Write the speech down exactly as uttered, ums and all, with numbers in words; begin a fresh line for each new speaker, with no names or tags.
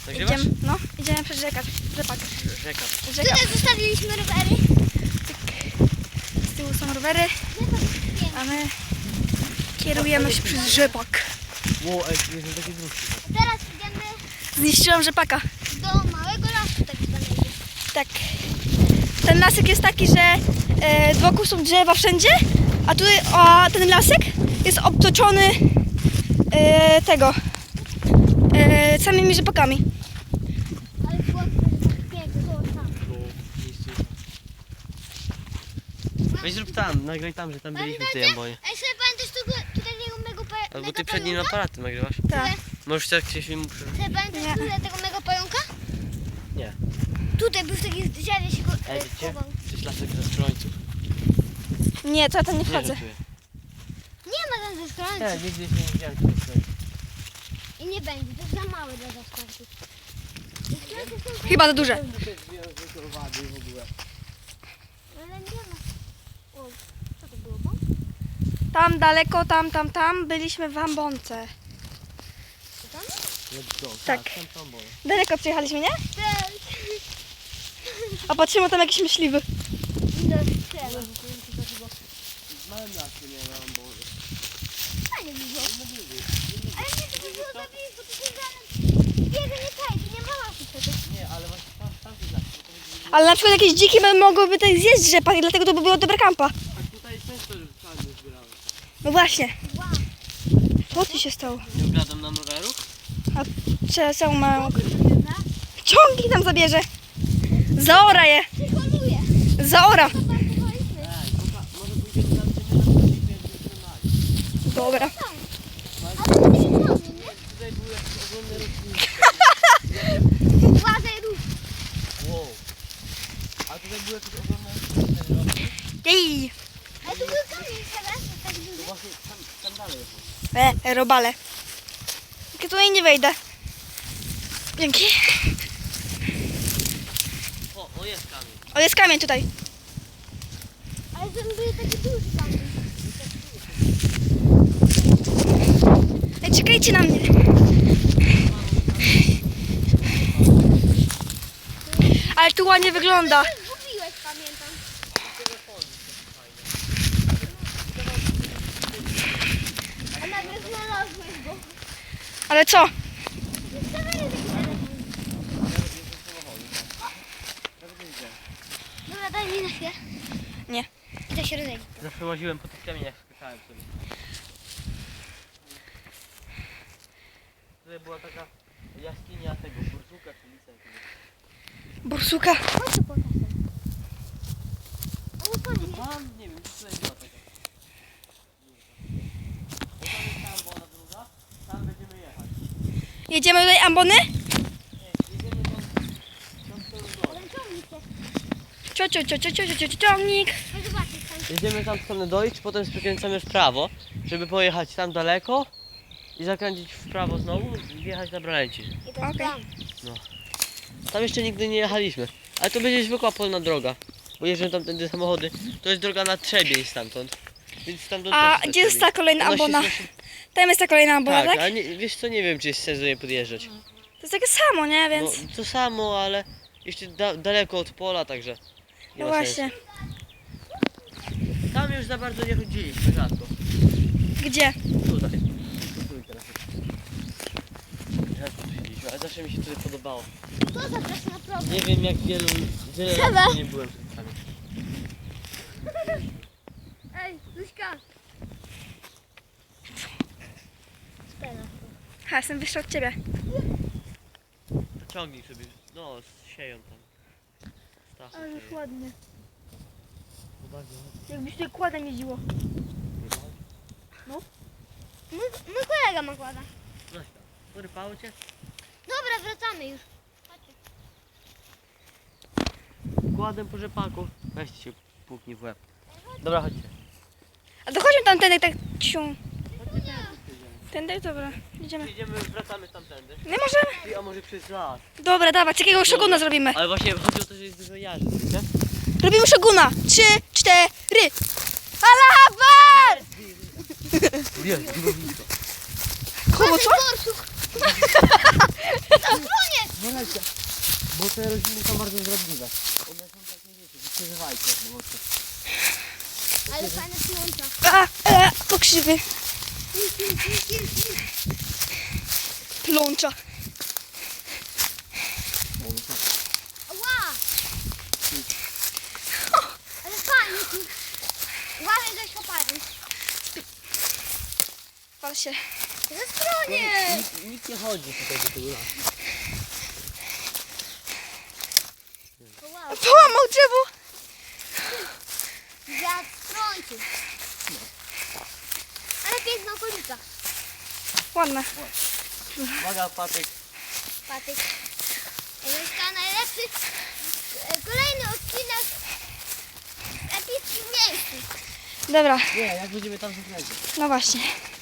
Nagrywasz?
Idziemy, no, idziemy przez rzekę, rzepak.
Rzeka.
Rzeka.
Tutaj zostawiliśmy rowery.
Z tyłu są rowery, a my kierujemy się przez rzepak.
Ło, ej, jest taki dłuższy.
Teraz idziemy
Zniszczyłam rzepaka.
do małego lasu tak zwanego.
Tak. Ten lasek jest taki, że e, wokół są drzewa wszędzie, a tutaj a ten lasek jest obtoczony e, tego e, samymi rzepakami.
Ale słodko, że tak pięknie, to tam.
Weź zrób tam, nagraj tam, że tam byliśmy w tej ambonie.
Ej, sobie pamiętasz tu, tutaj tego mego pająka?
Albo ty przed nim aparatem nagrywasz.
Tak.
Możesz tak się filmu przy...
Sobie pamiętasz
Nie.
tutaj tego mego pająka?
Nie.
Tutaj był w takiej drzewie się go
Ej,
e,
wiecie?
schował.
Przecież lasek ze skrońców.
Nie, to ja tam nie
Nie
wchodzę.
żartuję.
Nie ma tam ze
Nie,
skrońców.
nigdy się nie widziałem tych skrońców.
I nie będzie, to jest za małe dla zaskrońców.
Chyba za duże.
Ale nie ma. O, co to było? Bąk?
Tam daleko, tam, tam, tam byliśmy w ambonce.
To tam?
Let's go.
Tak.
Tam są ambonie.
Daleko przyjechaliśmy, nie?
Tak.
A patrzymy tam jakieś myśliwy.
Do strzelą.
W małym lasku nie ma ambony.
Fajnie by było. Ale nie, to by było za blisko, to się zaraz biega nie przejdzie, nie ma lasu przecież.
Nie, ale właśnie tam, tam jest las.
Ale na przykład jakieś dziki by mogłyby tutaj zjeść rzepak i dlatego to by było dobre kampa.
A tutaj często już czarny zbierałem.
No właśnie.
Wow.
Co tu się stało?
Nie oglądam nam rowerów?
Trzeba całą małą...
Dobra.
Ciągnik tam zabierze. Zaora je.
Przyholuje.
Zaora.
Zaparkowaliśmy.
Ej, poka- może pójdziemy tam, gdzie my na przykład nie trzymali.
Dobra.
Ale to nie jest nie?
Tutaj były jakieś ogromne rośliny.
Władzę ruch.
Wow. A tutaj były jakieś ogromne rośliny.
Jej.
Ale tu był kamień teraz, tak duży.
Właśnie tam, tam dalej jest.
E, robale. Ja tutaj nie wejdę. Dzięki.
O, o jest kamień.
O, jest kamień tutaj.
Ale ten był taki duży kamień.
Ej, czekajcie na mnie. Ale tu ładnie wygląda.
Zgubiłeś, pamiętam. A nagle znalazłeś go.
Ale co?
Zostawiaj taki telefon. Dobra, daj mi na chwilę.
Nie.
I to się rozejdzie.
Zawsze łaziłem po tych kamieniach, skakałem sobie. Tutaj była taka jaskinia tego bursuka czy lisa jakiegoś.
Borsuka.
Chodź tu po czasem. Ale to nie.
Tam, nie wiem, tutaj była taka. Bo tam jest ta ambona druga, tam będziemy jechać.
Jedziemy do tej ambony?
Nie, jedziemy tam, tam w stronę dojść.
Ale ciągnik się.
Cio, cio, cio, cio, cio, cio, cio, ciągnik.
Chodź zobaczyć tam.
Jedziemy tam w stronę dojść, potem skręcamy w prawo, żeby pojechać tam daleko i zakręcić w prawo znowu i wjechać na Bralęci.
I to
Okej.
jest plan.
Tam jeszcze nigdy nie jechaliśmy, ale to będzie zwykła polna droga, bo jeżdżą tam tędy samochody. To jest droga na Trzebiej stamtąd, więc stamtąd
A
też
gdzie jest ta kolejna
Ona się
ambona?
znosi-
Tam jest ta kolejna ambona,
Tak,
tak?
ale nie, wiesz co, nie wiem czy jest sens do niej podjeżdżać.
To jest takie samo, nie? Więc...
No, to samo, ale jeszcze da, daleko od pola, także nie
No
ma
właśnie.
sensu. Tam już za bardzo nie chodziliśmy, rzadko.
Gdzie?
Tutaj. Tu teraz. Rzadko tu siedzieliśmy, ale zawsze mi się tutaj podobało.
To zapraszam na program.
Nie wiem jak wielu, wiele
Trzeba.
lat nie byłem w tym samym.
Ej, Luśka. Spela.
Ha, jestem wyższa od ciebie.
Ciągnij sobie, no, sieją tam. Stachy
Ale już
sieją.
ładnie.
Uwaga.
Jakbyś tutaj kładem jeździło.
Mój, mój kolega ma kłada.
No tam. Porypało cię?
Dobra, wracamy już. Chodźcie.
Kładem po rzepaku. Weźcie się puknij w łeb. Dobra, chodźcie.
A to chodźmy tam tędy, tak ciu. Tędy? Dobra, idziemy.
Idziemy, wracamy tamtędy.
Nie możemy.
Ty, a może przez las.
Dobra, dawać, jakiego szoguna zrobimy.
Ale właśnie chodzi o to, że jest dużo jarzy, wiecie?
Robimy szoguna. Trzy, cztery. Allah Akbar!
Jest, było blisko.
Koło co?
Borsuk. Zasłonię.
uważajcie. Bo te rośliny są bardzo zdradliwe. One są takie, wiecie, nie przeżywajcie. No, bo to...
Ale fajne słońce.
A, e, pokrzywy. Plącza.
Ła! Ale fajnie tu. Uważaj, że kopają.
Pal się.
Ze stronie!
Nikt, nikt nie chodzi tutaj do tego lasu.
Wow.
Połamał drzewo.
Wiatr strącił. Ale piękna okolica.
Ładne.
Uwaga, patyk.
Patyk. Emielka najlepszy. e, Kolejny odcinek w epickich miejscu.
Dobra,
Nie, jak będziemy tam zakręcić.
no właśnie.